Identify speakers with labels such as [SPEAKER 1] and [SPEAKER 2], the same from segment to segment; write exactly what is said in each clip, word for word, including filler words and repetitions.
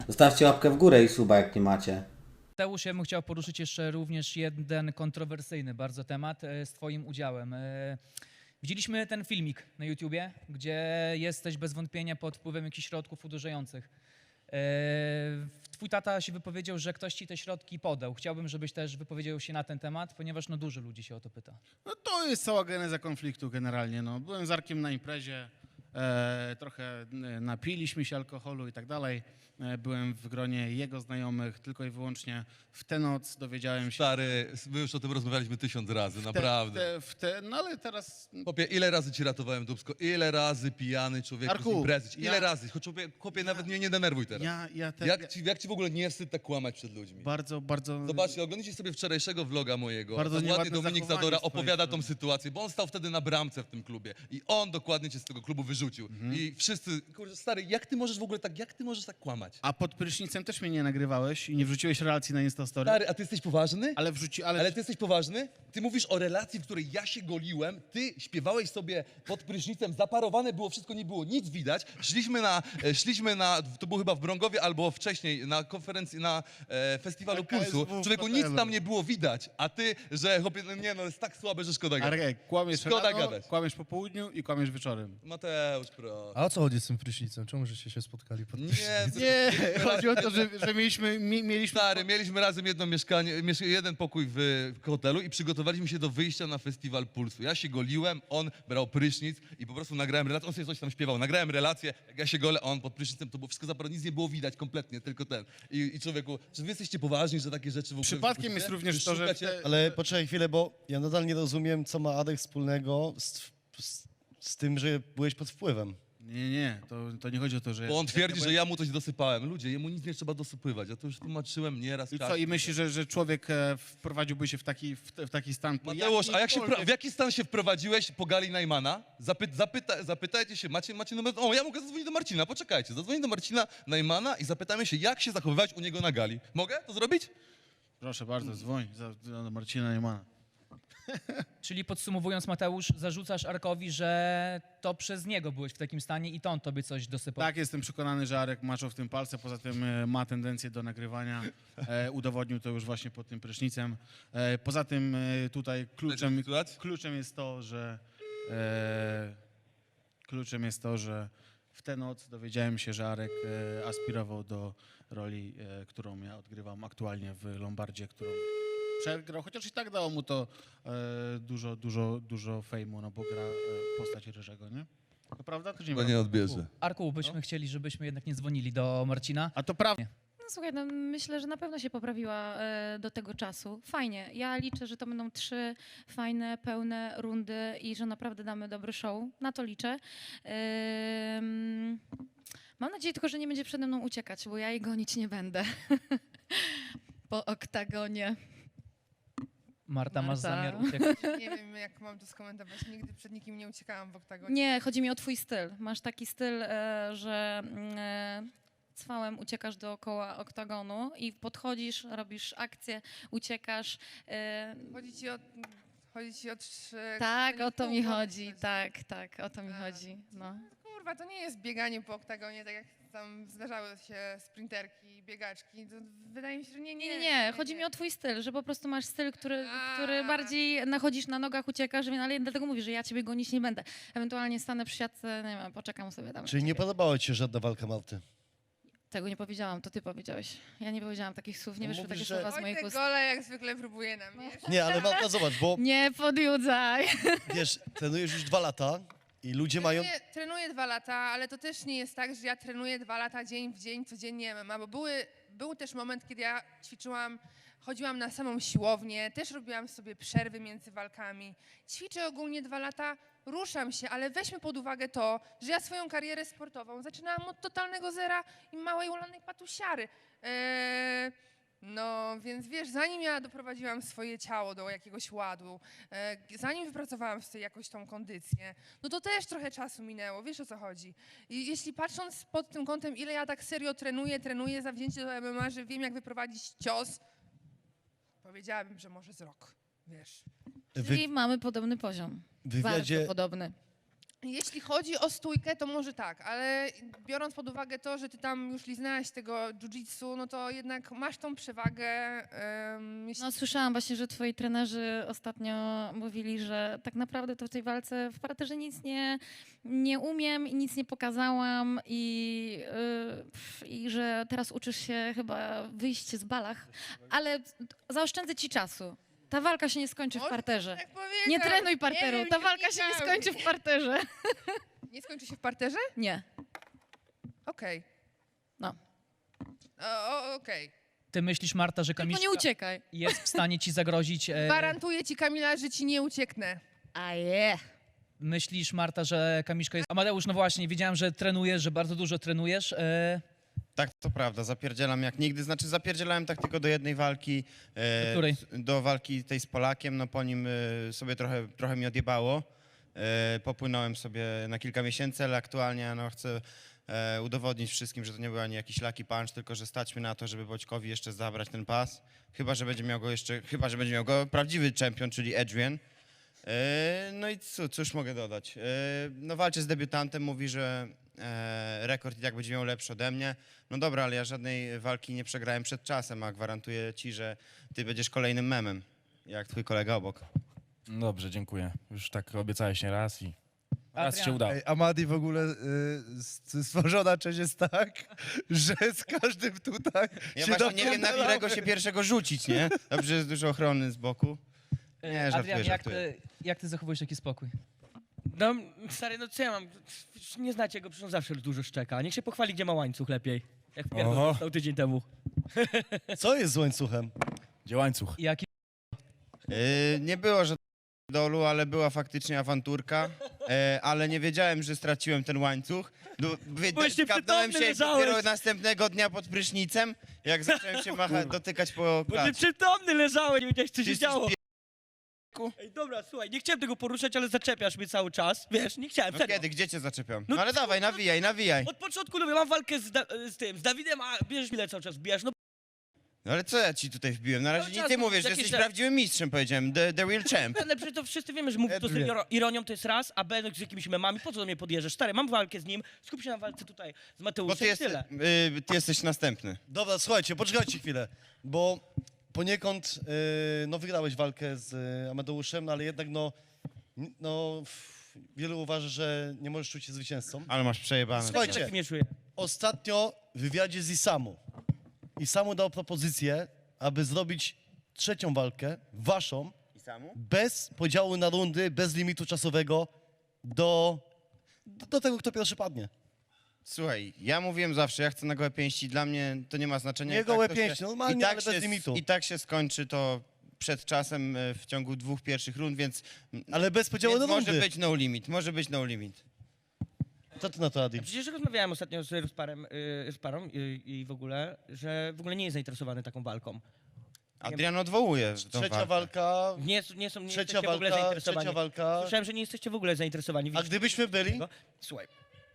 [SPEAKER 1] Zostawcie łapkę w górę i suba, jak nie macie.
[SPEAKER 2] Mateusz, ja bym chciał poruszyć jeszcze również jeden kontrowersyjny bardzo temat e, z twoim udziałem. E, Widzieliśmy ten filmik na YouTubie, gdzie jesteś bez wątpienia pod wpływem jakichś środków uderzających. E, Twój tata się wypowiedział, że ktoś ci te środki podał. Chciałbym, żebyś też wypowiedział się na ten temat, ponieważ no dużo ludzi się o to pyta.
[SPEAKER 3] No to jest cała geneza konfliktu generalnie. No. Byłem z Arkiem na imprezie, e, trochę e, napiliśmy się alkoholu i tak dalej. E, byłem w gronie jego znajomych, tylko i wyłącznie w tę noc dowiedziałem się...
[SPEAKER 4] Stary, my już o tym rozmawialiśmy tysiąc razy,
[SPEAKER 3] w te-
[SPEAKER 4] naprawdę.
[SPEAKER 3] W te, w te, no ale teraz...
[SPEAKER 4] Chłopie, ile razy ci ratowałem dubsko? Ile razy pijany człowiek
[SPEAKER 3] Arku,
[SPEAKER 4] z imprezy? Ile
[SPEAKER 3] ja-
[SPEAKER 4] razy? Choć chłopie, chłopie nawet mnie nie denerwuj teraz.
[SPEAKER 3] Ja, ja te,
[SPEAKER 4] Jak ci, jak ci w ogóle nie wstyd tak kłamać przed ludźmi?
[SPEAKER 3] Bardzo, bardzo...
[SPEAKER 4] Zobaczcie, oglądajcie sobie wczorajszego vloga mojego.
[SPEAKER 3] Bardzo
[SPEAKER 4] Tam ładnie
[SPEAKER 3] nieładne
[SPEAKER 4] Dominik
[SPEAKER 3] zachowanie
[SPEAKER 4] Zadora
[SPEAKER 3] z twojej
[SPEAKER 4] opowiada tą
[SPEAKER 3] strony.
[SPEAKER 4] sytuację, bo on stał wtedy na bramce w tym klubie i on dokładnie cię z tego klubu wyrzucił.
[SPEAKER 3] Mhm.
[SPEAKER 4] I wszyscy, kurde, stary, jak ty możesz w ogóle tak, jak ty możesz tak kłamać?
[SPEAKER 3] A pod prysznicem też mnie nie nagrywałeś i nie wrzuciłeś relacji na Instastory?
[SPEAKER 4] Stary, a ty jesteś poważny?
[SPEAKER 3] Ale wrzuci... Ale,
[SPEAKER 4] Ale ty jesteś poważny? Ty mówisz o relacji, w której ja się goliłem, ty śpiewałeś sobie pod prysznicem, zaparowane było wszystko, nie było nic widać. Szliśmy na, e, szliśmy na to było chyba w Brągowie albo wcześniej na konferencji, na e, festiwalu
[SPEAKER 3] Na K S W
[SPEAKER 4] Pulsu.
[SPEAKER 3] w
[SPEAKER 4] Człowieku, nic
[SPEAKER 3] hotelu.
[SPEAKER 4] tam nie było widać, a ty, że chłopie, no nie no, jest tak słabe, że szkoda gadać.
[SPEAKER 3] Arek, kłamiesz
[SPEAKER 4] Szkoda
[SPEAKER 3] rano,
[SPEAKER 4] gadać.
[SPEAKER 3] kłamiesz po południu i kłamiesz wieczorem.
[SPEAKER 4] Mateusz, pro.
[SPEAKER 5] A o co chodzi z tym prysznicem? Czemu żeście się spotkali pod
[SPEAKER 4] Nie,
[SPEAKER 5] prysznicem?
[SPEAKER 4] to-
[SPEAKER 3] Nie, chodzi o to, że, że mieliśmy, mi, mieliśmy...
[SPEAKER 4] Stary, mieliśmy razem jedno mieszkanie, miesz- jeden pokój w w hotelu i przygotowaliśmy się do wyjścia na festiwal Pulsu. Ja się goliłem, on brał prysznic i po prostu nagrałem relację, on sobie coś tam śpiewał. Nagrałem relację, jak ja się golę, a on pod prysznicem, to było wszystko zaparone, nic nie było widać kompletnie, tylko ten. I, i człowieku, czy wy jesteście poważni, że takie rzeczy w ogóle...
[SPEAKER 3] Przypadkiem
[SPEAKER 4] wpuścicie?
[SPEAKER 3] jest również
[SPEAKER 4] Czy
[SPEAKER 3] to, że...
[SPEAKER 4] szukacie-
[SPEAKER 3] te-
[SPEAKER 5] Ale poczekaj chwilę, bo ja nadal nie rozumiem, co ma Adek wspólnego z, z, z tym, że byłeś pod wpływem.
[SPEAKER 3] Nie, nie, to, to nie chodzi o to, że...
[SPEAKER 4] Bo on twierdzi, że ja mu coś dosypałem. Ludzie, jemu nic nie trzeba dosypywać. Ja to już tłumaczyłem nieraz.
[SPEAKER 3] I co,
[SPEAKER 4] czasem.
[SPEAKER 3] i myślisz, że, że człowiek e, wprowadziłby się w taki, w, te- w taki stan... po
[SPEAKER 4] Mateusz, a jak się,
[SPEAKER 3] jakiejkolwiek-
[SPEAKER 4] wpra- w jaki stan się wprowadziłeś po gali Najmana? Zapy, zapyta, zapytajcie się, macie, macie numer... O, ja mogę zadzwonić do Marcina, poczekajcie. Zadzwonię do Marcina Najmana i zapytamy się, jak się zachowywać u niego na gali. Mogę to zrobić?
[SPEAKER 3] Proszę bardzo, dzwoń za, za do Marcina Niemana.
[SPEAKER 2] Czyli podsumowując, Mateusz, zarzucasz Arkowi, że to przez niego byłeś w takim stanie i to on tobie coś dosypał.
[SPEAKER 3] Tak, jestem przekonany, że Arek maczał w tym palce, poza tym e, ma tendencję do nagrywania. E, udowodnił to już właśnie pod tym prysznicem. E, poza tym e, tutaj kluczem,
[SPEAKER 4] Słuchać?
[SPEAKER 3] kluczem jest to, że... E, kluczem jest to, że w tę noc dowiedziałem się, że Arek e, aspirował do roli, e, którą ja odgrywam aktualnie w Lombardzie, którą przegrał, chociaż i tak dało mu to e, dużo, dużo, dużo fejmu, no bo gra e, postać Ryżego, nie? To prawda? To nie
[SPEAKER 4] Bo
[SPEAKER 3] prawda?
[SPEAKER 4] nie odbierze.
[SPEAKER 2] Arku, byśmy chcieli, żebyśmy jednak nie dzwonili do Marcina.
[SPEAKER 3] A to prawda.
[SPEAKER 6] No słuchaj, no myślę, że na pewno się poprawiła e, do tego czasu. Fajnie. Ja liczę, że to będą trzy fajne, pełne rundy i że naprawdę damy dobry show. Na to liczę. Ym, mam nadzieję tylko, że nie będzie przede mną uciekać, bo ja jej gonić nie będę. Po oktagonie.
[SPEAKER 2] Marta, masz
[SPEAKER 6] Marta.
[SPEAKER 2] zamiar uciekać?
[SPEAKER 7] Nie wiem, jak mam to skomentować. Nigdy przed nikim nie uciekałam w oktagonie.
[SPEAKER 6] Nie, chodzi mi o twój styl. Masz taki styl, e, że mm, e, cwałem uciekasz dookoła oktagonu i podchodzisz, robisz akcję, uciekasz. E,
[SPEAKER 7] Chodzi ci o... Chodzi ci o trzy...
[SPEAKER 6] tak, o to mi
[SPEAKER 7] pół
[SPEAKER 6] chodzi.
[SPEAKER 7] godziny.
[SPEAKER 6] Tak, tak, o to mi
[SPEAKER 7] A.
[SPEAKER 6] chodzi. No.
[SPEAKER 7] Kurwa, to nie jest bieganie po oktagonie, tak jak tam zdarzały się sprinterki, biegaczki. To wydaje mi się, że nie, nie.
[SPEAKER 6] Nie, nie, nie. Chodzi mi o twój styl, że po prostu masz styl, który,
[SPEAKER 7] A.
[SPEAKER 6] który bardziej nachodzisz na nogach, uciekasz, więc- ale dlatego mówię, że ja ciebie gonić nie będę. Ewentualnie stanę przy siatce, nie wiem, poczekam sobie tam. na
[SPEAKER 5] Czyli nie
[SPEAKER 6] ciebie.
[SPEAKER 5] podobała ci się żadna walka Marty?
[SPEAKER 6] Tego nie powiedziałam, to ty powiedziałeś. Ja nie powiedziałam takich słów, nie
[SPEAKER 5] No
[SPEAKER 6] wyszły
[SPEAKER 5] mówisz,
[SPEAKER 6] takie
[SPEAKER 5] że-
[SPEAKER 6] słowa z moich
[SPEAKER 7] Wojtek
[SPEAKER 6] ust.
[SPEAKER 7] Gole jak zwykle próbuje na mnie.
[SPEAKER 5] Nie, ale Marta, zobacz, bo
[SPEAKER 6] Nie podjudzaj.
[SPEAKER 5] wiesz, trenujesz już dwa lata i ludzie mają...
[SPEAKER 7] Trenuję, trenuję dwa lata, ale to też nie jest tak, że ja trenuję dwa lata dzień w dzień, codziennie M M A, bo były, był też moment, kiedy ja ćwiczyłam, chodziłam na samą siłownię, też robiłam sobie przerwy między walkami. Ćwiczę ogólnie dwa lata, ruszam się, ale weźmy pod uwagę to, że ja swoją karierę sportową zaczynałam od totalnego zera i małej ulanej patusiary. Eee, No, więc wiesz, zanim ja doprowadziłam swoje ciało do jakiegoś ładu, e, zanim wypracowałam sobie jakoś tą kondycję, no to też trochę czasu minęło, wiesz o co chodzi. I jeśli patrząc pod tym kątem, ile ja tak serio trenuję, trenuję zawzięcie do M M A, że wiem jak wyprowadzić cios, powiedziałabym, że może z rok, wiesz.
[SPEAKER 5] Wy,
[SPEAKER 6] Czyli mamy podobny poziom.
[SPEAKER 5] w wywiadzie,
[SPEAKER 6] Bardzo podobny.
[SPEAKER 7] Jeśli chodzi o stójkę, to może tak, ale biorąc pod uwagę to, że ty tam już liznęłaś tego jiu-jitsu, no to jednak masz tą przewagę. Um, jeśli...
[SPEAKER 6] No, słyszałam właśnie, że twoi trenerzy ostatnio mówili, że tak naprawdę to w tej walce w parterze nic nie, nie umiem i nic nie pokazałam i, yy, pff, i że teraz uczysz się chyba wyjść z balach, ale zaoszczędzę ci czasu. Ta walka się nie skończy w
[SPEAKER 7] Może
[SPEAKER 6] parterze.
[SPEAKER 7] tak powiedział.
[SPEAKER 6] Nie trenuj parteru,
[SPEAKER 7] Nie wiem,
[SPEAKER 6] ta
[SPEAKER 7] nie
[SPEAKER 6] walka się nie
[SPEAKER 7] wnikałem.
[SPEAKER 6] skończy w parterze.
[SPEAKER 7] Nie skończy się w parterze?
[SPEAKER 6] Nie,
[SPEAKER 7] Okej.
[SPEAKER 6] no.
[SPEAKER 7] O, o, Okej.
[SPEAKER 2] Ty myślisz, Marta, że
[SPEAKER 6] Tylko
[SPEAKER 2] Kamiszka
[SPEAKER 6] nie uciekaj.
[SPEAKER 2] jest w stanie ci zagrozić? E,
[SPEAKER 7] Gwarantuję ci, Kamila, że ci nie ucieknę.
[SPEAKER 6] A je.
[SPEAKER 2] myślisz, Marta, że Kamiszka jest... Amadeusz, no właśnie, wiedziałem, że trenujesz, że bardzo dużo trenujesz. E,
[SPEAKER 8] Tak, to prawda, zapierdzielam jak nigdy. Znaczy zapierdzielałem tak tylko do jednej walki. e,
[SPEAKER 2] Do której?
[SPEAKER 8] s- Do walki tej z Polakiem, no po nim e, sobie trochę, trochę mi odjebało. E, popłynąłem sobie na kilka miesięcy, ale aktualnie no, chcę e, udowodnić wszystkim, że to nie był ani jakiś lucky punch, tylko że stać mi na to, żeby Boćkowi jeszcze zabrać ten pas. Chyba, że będzie miał go jeszcze, chyba, że będzie miał go prawdziwy czempion, czyli Adrian. E, No i co, cóż mogę dodać? E, No walczy z debiutantem, mówi, że e, rekord i tak będzie miał lepszy ode mnie. No dobra, ale ja żadnej walki nie przegrałem przed czasem, a gwarantuję ci, że ty będziesz kolejnym memem, jak twój kolega obok.
[SPEAKER 9] Dobrze, dziękuję. Już tak obiecałeś nie raz i raz
[SPEAKER 2] Adrian.
[SPEAKER 9] się udało.
[SPEAKER 10] Ej, Amadi w ogóle y, s- stworzona część jest tak, że z każdym tutaj
[SPEAKER 8] Ja
[SPEAKER 10] się
[SPEAKER 8] właśnie nie wiem, na
[SPEAKER 10] dopierdalamy.
[SPEAKER 8] którego się pierwszego rzucić, nie? Dobrze, jest dużo ochrony z boku. Nie, żartuję,
[SPEAKER 2] Adrian, jak
[SPEAKER 8] żartuję.
[SPEAKER 2] ty, jak ty zachowujesz taki spokój?
[SPEAKER 11] No, stary, no co ja mam? Nie znacie go, przecież on zawsze dużo szczeka. Niech się pochwali, gdzie ma łańcuch lepiej. Jak
[SPEAKER 9] Oho.
[SPEAKER 11] pierdol dostał tydzień temu.
[SPEAKER 5] Co jest z łańcuchem?
[SPEAKER 9] Gdzie łańcuch?
[SPEAKER 2] Jaki
[SPEAKER 8] Yy, nie było żadnego dolu, ale była faktycznie awanturka, e, ale nie wiedziałem, że straciłem ten łańcuch. No, wy-
[SPEAKER 11] Byłeś
[SPEAKER 8] skapnąłem
[SPEAKER 11] nieprzytomny,
[SPEAKER 8] się
[SPEAKER 11] leżałeś.
[SPEAKER 8] dopiero następnego dnia pod prysznicem, jak zacząłem się macha, dotykać po
[SPEAKER 11] Bo ty
[SPEAKER 8] klatce.
[SPEAKER 11] przytomny leżałeś, nie wiedziałeś, co
[SPEAKER 8] Ty
[SPEAKER 11] się
[SPEAKER 8] jesteś
[SPEAKER 11] działo.
[SPEAKER 8] pie-
[SPEAKER 11] Ej, dobra, słuchaj, nie chciałem tego poruszać, ale zaczepiasz mnie cały czas. Wiesz, nie chciałem,
[SPEAKER 8] No
[SPEAKER 11] serio.
[SPEAKER 8] kiedy, gdzie cię zaczepiam?
[SPEAKER 11] No
[SPEAKER 8] No ale dawaj, nawijaj, nawijaj.
[SPEAKER 11] Od początku lubię, mam walkę z, da z tym, z Dawidem, a bierzesz mi cały czas, bijasz. No
[SPEAKER 8] No ale co ja ci tutaj wbiłem? Na razie
[SPEAKER 11] Cały
[SPEAKER 8] nie
[SPEAKER 11] czas
[SPEAKER 8] ty
[SPEAKER 11] mówisz
[SPEAKER 8] mówisz, że
[SPEAKER 11] jakieś
[SPEAKER 8] jesteś
[SPEAKER 11] te-
[SPEAKER 8] prawdziwym mistrzem, powiedziałem. The, the real champ.
[SPEAKER 11] ale przecież to wszyscy wiemy, że mówisz to z
[SPEAKER 10] Edwin.
[SPEAKER 11] iro- ironią, to jest raz, a B z jakimiś memami, po co do mnie podjeżdżasz? Stary, mam walkę z nim, skup się na walce tutaj z
[SPEAKER 8] Bo
[SPEAKER 11] Mateuszem
[SPEAKER 8] ty,
[SPEAKER 11] i
[SPEAKER 8] jest,
[SPEAKER 11] tyle.
[SPEAKER 8] y, ty jesteś następny.
[SPEAKER 5] Dobra, słuchajcie, poczekajcie chwilę, bo poniekąd y, no, wygrałeś walkę z y, Amadeuszem, no, ale jednak no, n- no, f- wielu uważa, że nie możesz czuć się zwycięzcą.
[SPEAKER 8] Ale masz przejebane.
[SPEAKER 5] Słuchajcie.
[SPEAKER 11] Tak mnie czuję.
[SPEAKER 5] Ostatnio w wywiadzie z Isamu, Isamu dał propozycję, aby zrobić trzecią walkę, waszą,
[SPEAKER 8] I samu?
[SPEAKER 5] bez podziału na rundy, bez limitu czasowego do, do, do tego, kto pierwszy padnie.
[SPEAKER 8] Słuchaj, ja mówiłem zawsze, ja chcę na gołe pięści, dla mnie to nie ma znaczenia.
[SPEAKER 5] Nie
[SPEAKER 8] I tak
[SPEAKER 5] gołe
[SPEAKER 8] to
[SPEAKER 5] pięści,
[SPEAKER 8] się,
[SPEAKER 5] normalnie,
[SPEAKER 8] i tak
[SPEAKER 5] ale
[SPEAKER 8] się,
[SPEAKER 5] bez limitu.
[SPEAKER 8] I tak się skończy to przed czasem e, w ciągu dwóch pierwszych rund, więc,
[SPEAKER 5] Ale bez podziału
[SPEAKER 8] więc
[SPEAKER 5] na
[SPEAKER 8] może
[SPEAKER 5] rundy.
[SPEAKER 8] być no limit, może być no limit.
[SPEAKER 5] Co ty na to, Adi?
[SPEAKER 11] Przecież rozmawiałem ostatnio z Rusparem, y, z parą y, i w ogóle, że w ogóle nie jest zainteresowany taką walką.
[SPEAKER 8] Adrian odwołuje tą
[SPEAKER 5] Trzecia
[SPEAKER 8] walkę.
[SPEAKER 5] walka,
[SPEAKER 11] Nie, nie są, nie
[SPEAKER 5] trzecia
[SPEAKER 11] jesteście w ogóle
[SPEAKER 5] walka,
[SPEAKER 11] zainteresowani.
[SPEAKER 5] trzecia walka.
[SPEAKER 11] Słyszałem, że nie jesteście w ogóle zainteresowani.
[SPEAKER 5] A
[SPEAKER 11] Widzicie
[SPEAKER 5] gdybyśmy byli,
[SPEAKER 11] tego? Słuchaj,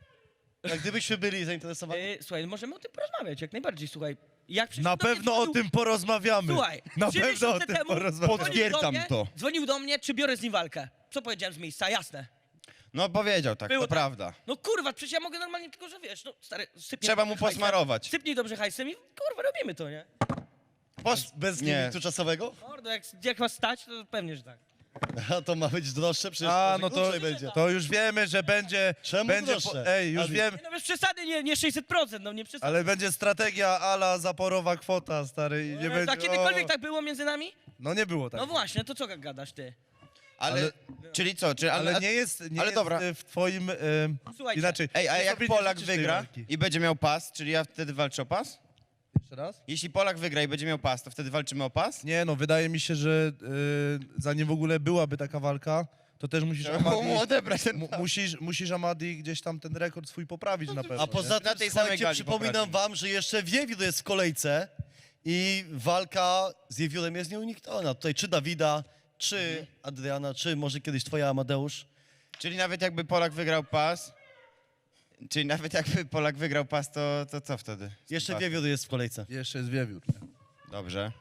[SPEAKER 5] a gdybyśmy byli zainteresowani,
[SPEAKER 11] y, słuchaj, możemy o tym porozmawiać, jak najbardziej, słuchaj. Jak przecież
[SPEAKER 10] Na
[SPEAKER 11] do mnie
[SPEAKER 10] pewno o
[SPEAKER 11] dzwonił-
[SPEAKER 10] tym porozmawiamy.
[SPEAKER 11] Słuchaj,
[SPEAKER 10] Na
[SPEAKER 11] trzy
[SPEAKER 10] pewno o
[SPEAKER 11] miesiące
[SPEAKER 10] tym
[SPEAKER 11] temu
[SPEAKER 10] porozmawiamy.
[SPEAKER 11] dzwonił
[SPEAKER 8] Potwierdzam
[SPEAKER 11] do mnie,
[SPEAKER 8] to.
[SPEAKER 11] Dzwonił do mnie, czy biorę z nim walkę. Co powiedziałem z miejsca, jasne.
[SPEAKER 8] No powiedział tak,
[SPEAKER 11] Było
[SPEAKER 8] to
[SPEAKER 11] tak.
[SPEAKER 8] prawda.
[SPEAKER 11] No kurwa, przecież ja mogę normalnie, tylko że wiesz, no stary, sypnij
[SPEAKER 8] Trzeba mu
[SPEAKER 11] dobrze hajsem,
[SPEAKER 8] posmarować.
[SPEAKER 11] Sypnij dobrze hajsem i kurwa, robimy to, nie?
[SPEAKER 8] Pos...
[SPEAKER 5] bez
[SPEAKER 8] nie.
[SPEAKER 5] limitu czasowego,
[SPEAKER 11] Mordo, jak, jak was stać, to pewnie, że tak.
[SPEAKER 5] a to ma być droższe, przecież
[SPEAKER 10] A,
[SPEAKER 5] może
[SPEAKER 10] no to,
[SPEAKER 5] krócej będzie.
[SPEAKER 10] to już wiemy, że będzie...
[SPEAKER 5] Czemu
[SPEAKER 10] będzie
[SPEAKER 5] droższe?
[SPEAKER 10] Ej, już
[SPEAKER 5] Adi?
[SPEAKER 10] wiem,
[SPEAKER 11] Nie, no bez przesady, nie, nie sześćset procent, no nie przesady.
[SPEAKER 10] ale będzie strategia ala zaporowa kwota, stary. I nie
[SPEAKER 11] Ale
[SPEAKER 10] będzie,
[SPEAKER 11] a kiedykolwiek
[SPEAKER 10] o,
[SPEAKER 11] tak było między nami?
[SPEAKER 10] No nie było tak.
[SPEAKER 11] No właśnie, to co gadasz ty?
[SPEAKER 8] Ale,
[SPEAKER 10] Ale-
[SPEAKER 8] czyli co, czy, ale,
[SPEAKER 10] Ale nie jest, nie
[SPEAKER 8] ale
[SPEAKER 10] jest
[SPEAKER 8] dobra.
[SPEAKER 10] e, w twoim... E,
[SPEAKER 11] Słuchajcie,
[SPEAKER 10] inaczej.
[SPEAKER 8] Ej, a
[SPEAKER 10] ty
[SPEAKER 8] jak
[SPEAKER 10] sobie nie
[SPEAKER 8] Polak
[SPEAKER 10] życzysz tej
[SPEAKER 8] wygra
[SPEAKER 10] walki.
[SPEAKER 8] i będzie miał pas, czyli ja wtedy walczę o pas?
[SPEAKER 10] Jeszcze raz?
[SPEAKER 8] Jeśli Polak wygra i będzie miał pas, to wtedy walczymy o pas?
[SPEAKER 10] Nie no, wydaje mi się, że e, zanim w ogóle byłaby taka walka, to też musisz
[SPEAKER 8] Trzeba mu
[SPEAKER 10] Amadi,
[SPEAKER 8] odebrać ten
[SPEAKER 10] mu,
[SPEAKER 8] pas.
[SPEAKER 10] musisz, musisz Amadi gdzieś tam ten rekord swój poprawić na pewno.
[SPEAKER 5] A poza
[SPEAKER 10] nie?
[SPEAKER 5] tym,
[SPEAKER 8] Na tej samej
[SPEAKER 5] słuchajcie,
[SPEAKER 8] gali
[SPEAKER 5] przypominam
[SPEAKER 8] poprawimy.
[SPEAKER 5] wam, że jeszcze Wiewiór jest w kolejce i walka z Wiewiórem jest nieunikniona. Tutaj czy Dawida, czy Adriana, czy może kiedyś twoja Amadeusz.
[SPEAKER 8] Czyli nawet jakby Polak wygrał pas, czyli nawet jakby Polak wygrał pas, to, to co wtedy? z tym
[SPEAKER 5] Jeszcze
[SPEAKER 8] pasem?
[SPEAKER 5] Wiewiór jest w kolejce.
[SPEAKER 10] Jeszcze jest wiewiór. Nie?
[SPEAKER 8] Dobrze.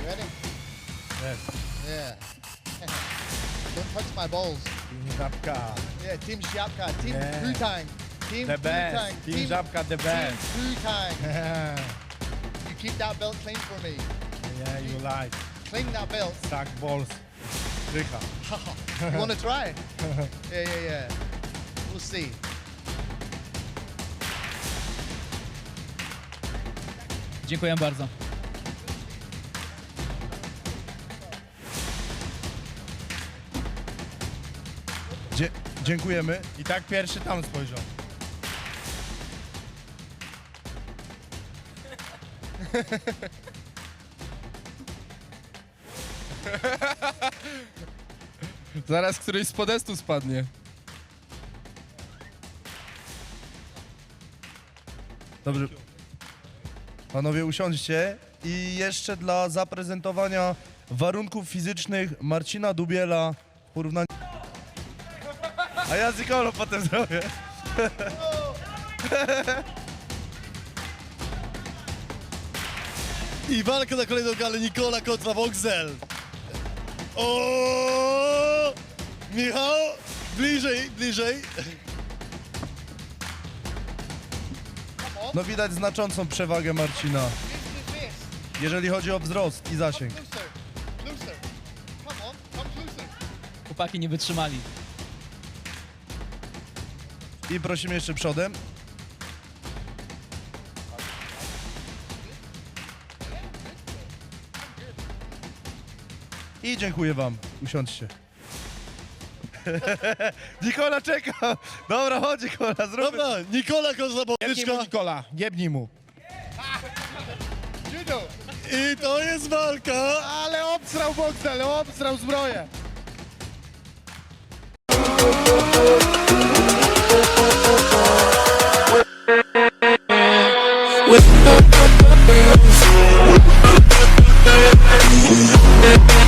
[SPEAKER 12] Ready?
[SPEAKER 10] Yes.
[SPEAKER 12] Yeah. Don't touch my balls.
[SPEAKER 10] Team Żabka.
[SPEAKER 12] Yeah, Team Siapka, Team
[SPEAKER 10] Yeah.
[SPEAKER 12] Wu-Tang. Team
[SPEAKER 10] The best.
[SPEAKER 12] Wu-Tang.
[SPEAKER 10] Team Żabka the best.
[SPEAKER 12] Team Wu-Tang. You keep that belt clean for me.
[SPEAKER 10] Yeah, you like.
[SPEAKER 12] Clean that belt.
[SPEAKER 10] Suck balls. Strycha.
[SPEAKER 12] You want to try? Yeah, yeah, yeah. We'll see.
[SPEAKER 2] Dziękuję bardzo.
[SPEAKER 10] Dzie- dziękujemy. I tak pierwszy tam spojrzał.
[SPEAKER 13] Zaraz któryś z podestu spadnie.
[SPEAKER 10] Dobrze. Panowie, usiądźcie. I jeszcze dla zaprezentowania warunków fizycznych Marcina Dubiela w porównaniu... A ja z Nikolą potem zrobię.
[SPEAKER 5] I walka na kolejną galę Nikola kontra Voxel. O! Michał, bliżej, bliżej.
[SPEAKER 10] No widać znaczącą przewagę Marcina, jeżeli chodzi o wzrost i zasięg.
[SPEAKER 12] Closer. Closer. Come on. Come closer.
[SPEAKER 2] Chłopaki nie wytrzymali.
[SPEAKER 10] I prosimy jeszcze przodem. I dziękuję wam. Usiądźcie. Nikola czeka. Dobra, chodź Nikola, zróbmy.
[SPEAKER 5] Dobra, Nikola kontra Bogdyczka.
[SPEAKER 10] Nikola, jebnij mu.
[SPEAKER 12] Judo.
[SPEAKER 5] I to jest walka.
[SPEAKER 10] Ale obsrał Boxel, obsrał zbroję.
[SPEAKER 14] With